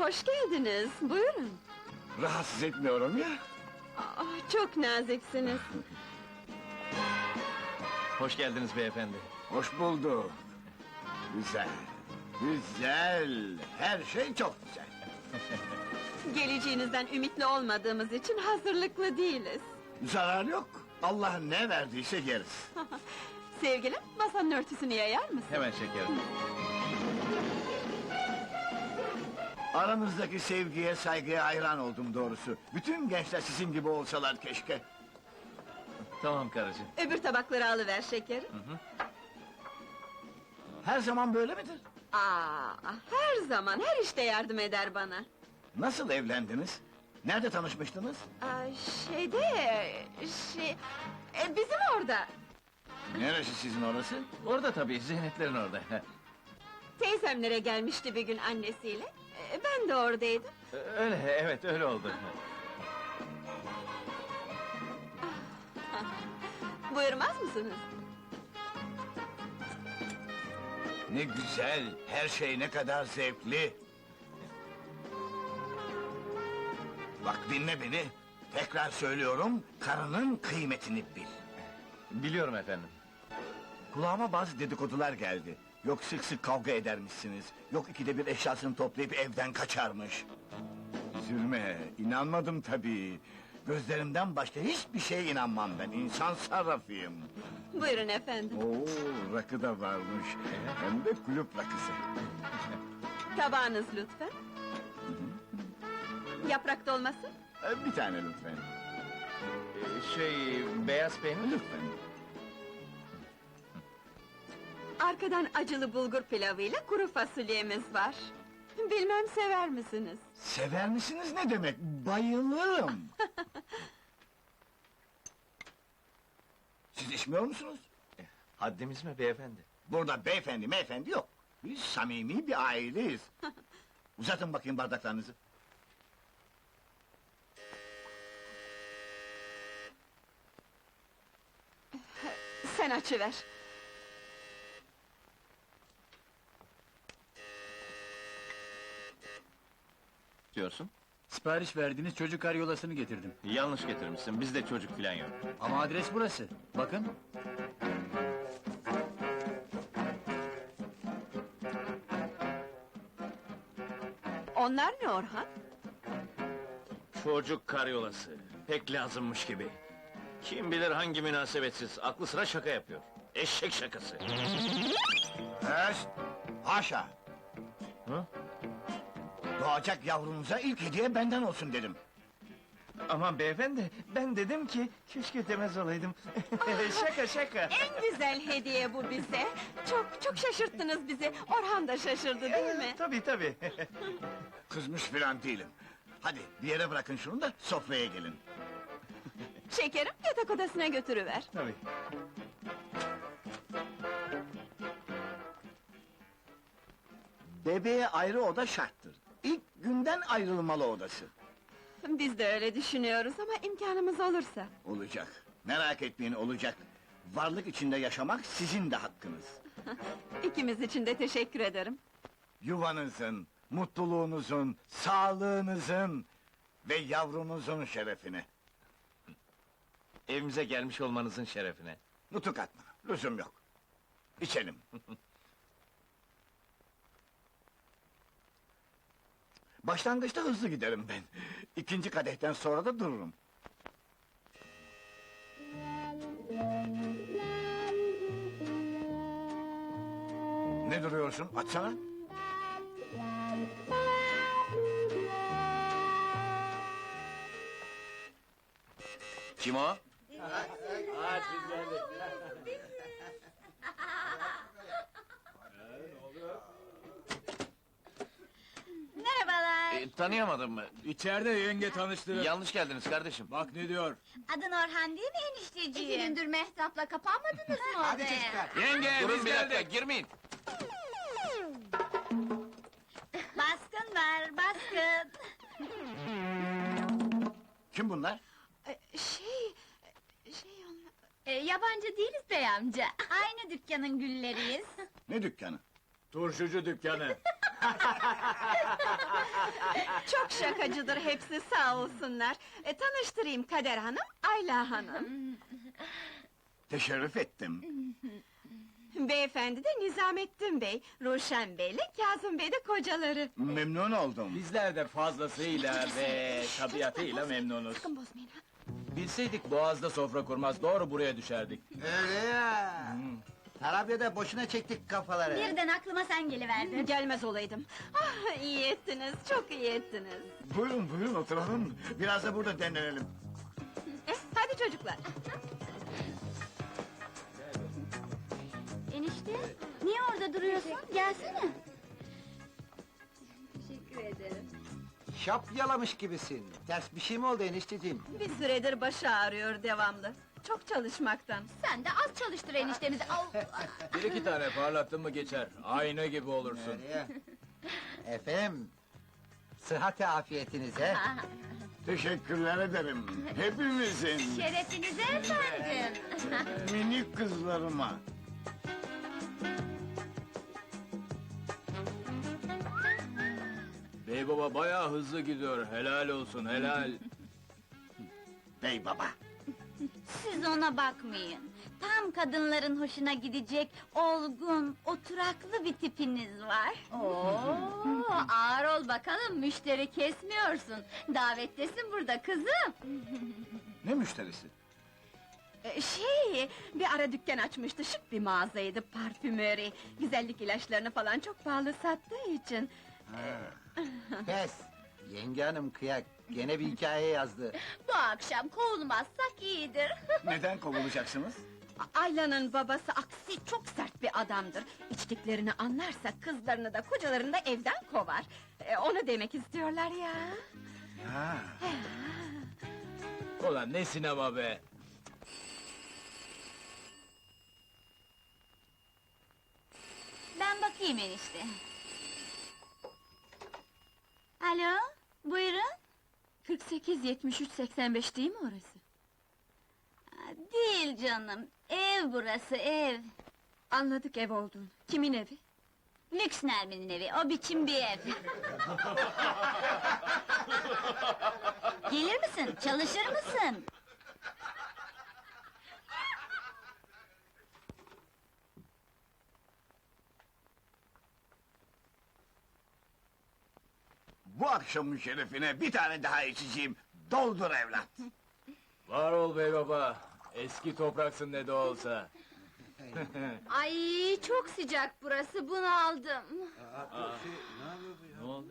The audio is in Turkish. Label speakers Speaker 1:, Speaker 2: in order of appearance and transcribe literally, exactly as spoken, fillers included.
Speaker 1: hoş geldiniz, buyurun.
Speaker 2: Rahatsız etmiyorum ya.
Speaker 1: Ah, çok naziksiniz.
Speaker 3: Hoş geldiniz beyefendi.
Speaker 2: Hoş bulduk. Güzel, güzel. Her şey çok güzel.
Speaker 1: Geleceğinizden ümitli olmadığımız için hazırlıklı değiliz.
Speaker 2: Zarar yok. Allah ne verdiyse yeriz.
Speaker 1: Sevgilim, masanın örtüsünü yayar mısın?
Speaker 3: Hemen şekerim.
Speaker 2: Aranızdaki sevgiye, saygıya hayran oldum doğrusu. Bütün gençler sizin gibi olsalar keşke.
Speaker 3: Tamam karıcığım.
Speaker 1: Öbür tabakları alıver şekerim.
Speaker 2: Her zaman böyle midir?
Speaker 1: Aa, her zaman, her işte yardım eder bana.
Speaker 2: Nasıl evlendiniz? Nerede tanışmıştınız?
Speaker 1: Aa, şeyde, şey... e, bizim orada.
Speaker 2: Neresi sizin orası?
Speaker 3: Orada tabii, Zeyneplerin orada.
Speaker 1: Teyzemlere gelmişti bir gün annesiyle. E, ben de oradaydım.
Speaker 3: Öyle, evet öyle oldu.
Speaker 1: Buyurmaz mısınız?
Speaker 2: Ne güzel, her şey ne kadar zevkli. Bak dinle beni, tekrar söylüyorum, karının kıymetini bil.
Speaker 3: Biliyorum efendim.
Speaker 2: Kulağıma bazı dedikodular geldi. Yok sık sık kavga edermişsiniz, yok ikide bir eşyasını toplayıp evden kaçarmış. Üzülme, inanmadım tabii. Gözlerimden başka hiçbir şeye inanmam ben, insan sarrafıyım.
Speaker 1: Buyurun efendim.
Speaker 2: Oo, rakı da varmış, hem de kulüp rakısı.
Speaker 1: Tabağınız lütfen. Yaprak dolması?
Speaker 2: Ee, Bir tane lütfen,
Speaker 3: Ee, Şey, beyaz peynir.
Speaker 2: lütfen.
Speaker 1: Arkadan acılı bulgur pilavıyla kuru fasulyemiz var. Bilmem sever misiniz?
Speaker 2: Sever misiniz ne demek? Bayılırım! Siz içmiyor musunuz?
Speaker 3: Haddimiz mi beyefendi?
Speaker 2: Burada beyefendi meyefendi yok. Biz samimi bir aileyiz. Uzatın bakayım bardaklarınızı.
Speaker 1: Sen açıver.
Speaker 3: Diyorsun?
Speaker 4: Sipariş verdiğiniz çocuk karyolasını getirdim.
Speaker 3: Yanlış getirmişsin, bizde çocuk filan yok.
Speaker 4: Ama adres burası. Bakın.
Speaker 1: Onlar ne Orhan?
Speaker 3: Çocuk karyolası, pek lazımmış gibi. Kim bilir hangi münasebetsiz, aklı sıra şaka yapıyor. Eşek şakası.
Speaker 2: Pes! Haşa!
Speaker 3: Hı?
Speaker 2: Doğacak yavrunuza ilk hediye benden olsun dedim.
Speaker 3: Aman beyefendi, ben dedim ki, keşke demez olaydım. Şaka şaka.
Speaker 1: En güzel hediye bu bize. Çok çok şaşırttınız bizi. Orhan da şaşırdı değil mi?
Speaker 3: Tabii tabii.
Speaker 2: Kızmış filan değilim. Hadi bir yere bırakın şunu da sofraya gelin.
Speaker 1: Şekerim, yatak odasına götürüver.
Speaker 3: Tabii.
Speaker 2: Bebeğe ayrı oda şarttır. İlk günden ayrılmalı odası.
Speaker 1: Biz de öyle düşünüyoruz ama imkanımız olursa.
Speaker 2: Olacak. Merak etmeyin olacak. Varlık içinde yaşamak sizin de hakkınız.
Speaker 1: İkimiz için de teşekkür ederim.
Speaker 2: Yuvanızın, mutluluğunuzun, sağlığınızın ve yavrunuzun şerefine.
Speaker 3: Evimize gelmiş olmanızın şerefine.
Speaker 2: Nutuk atma, lüzum yok. İçelim. Başlangıçta hızlı giderim ben. İkinci kadehten sonra da dururum. Ne duruyorsun? Açsana.
Speaker 3: Kim o?
Speaker 5: Merhabalar.
Speaker 3: E, tanıyamadım mı?
Speaker 4: İçeride yenge tanıştırın.
Speaker 3: Yanlış geldiniz kardeşim.
Speaker 4: Bak ne diyor.
Speaker 5: Adın Orhan değil mi enişteciğim? İki gündür Mehtap'la kapanmadınız mı odaya?
Speaker 3: Yenge, durun bir dakika, girmeyin.
Speaker 5: Baskın var, baskın.
Speaker 2: Kim bunlar?
Speaker 1: Ee, Şey... Şey onlar...
Speaker 5: Ee, yabancı değiliz bey amca. Aynı dükkanın gülleriyiz.
Speaker 2: Ne dükkanı?
Speaker 4: Turşucu dükkanı.
Speaker 1: Çok şakacıdır hepsi, sağ olsunlar. E, tanıştırayım Kader Hanım, Ayla Hanım.
Speaker 2: Teşerrüf ettim.
Speaker 1: Beyefendi de Nizamettin Bey, Ruşen Bey'le Kazım Bey de kocaları.
Speaker 2: Memnun oldum.
Speaker 4: Bizler de fazlasıyla ve tabiatıyla memnunuz.
Speaker 1: Sakın bozmayın ha.
Speaker 4: Bilseydik Boğaz'da sofra kurmaz, doğru buraya düşerdik.
Speaker 6: Öyle ya. Tarabya'da boşuna çektik kafaları.
Speaker 5: Birden aklıma sen geliverdin.
Speaker 1: Gelmez olaydım. Ah, iyi ettiniz, çok iyi ettiniz.
Speaker 2: Buyurun buyurun oturalım. Biraz da burada dinlenelim.
Speaker 1: Eh, hadi çocuklar.
Speaker 5: Enişte, niye orada duruyorsun? Gelsene. Teşekkür ederim.
Speaker 6: Şap yalamış gibisin. Ters bir şey mi oldu enişteciğim?
Speaker 1: Bir süredir başı ağrıyor devamlı. Çok çalışmaktan.
Speaker 5: Sen de az çalıştır eniştemizi. Au!
Speaker 4: Bir iki tane parlattın mı geçer, ayna gibi olursun.
Speaker 6: Öyle ya. Efendim, sıhhati afiyetinize.
Speaker 2: Teşekkürler ederim. Hepimizin.
Speaker 5: Şerefinize efendim.
Speaker 2: Minik kızlarıma.
Speaker 4: Bey baba bayağı hızlı gidiyor, helal olsun, helal.
Speaker 2: Bey baba.
Speaker 5: Siz ona bakmayın. Tam kadınların hoşuna gidecek, olgun, oturaklı bir tipiniz var. Oo, ağır ol bakalım, müşteri kesmiyorsun. Davettesin burada kızım.
Speaker 2: Ne müşterisi?
Speaker 1: Ee, şey, bir ara dükkan açmıştı, şık bir mağazaydı, parfümeri. Güzellik ilaçlarını falan çok pahalı sattığı için.
Speaker 6: Pes. Yenge hanım kıyak. Gene bir hikaye yazdı.
Speaker 5: Bu akşam kovulmazsak iyidir.
Speaker 2: Neden kovulacaksınız?
Speaker 1: A- Ayla'nın babası aksi çok sert bir adamdır. İçtiklerini anlarsa kızlarını da kocalarını da evden kovar. Ee, onu demek istiyorlar ya.
Speaker 2: Ha.
Speaker 4: Ulan ne sinema be!
Speaker 5: Ben bakayım enişte. Alo, buyurun.
Speaker 1: kırk sekiz yetmiş üç seksen beş değil mi orası?
Speaker 5: Aa, değil canım, ev burası ev.
Speaker 1: Anladık ev olduğunu. Kimin evi?
Speaker 5: Lüks Nermin'in evi, o biçim bir ev. Gelir misin, çalışır mısın?
Speaker 2: Bu akşamın şerefine bir tane daha içeceğim. Doldur evlat.
Speaker 4: Var ol bey baba, eski topraksın ne de olsa.
Speaker 5: Ay çok sıcak burası, bunu aldım.
Speaker 4: Ne oldu?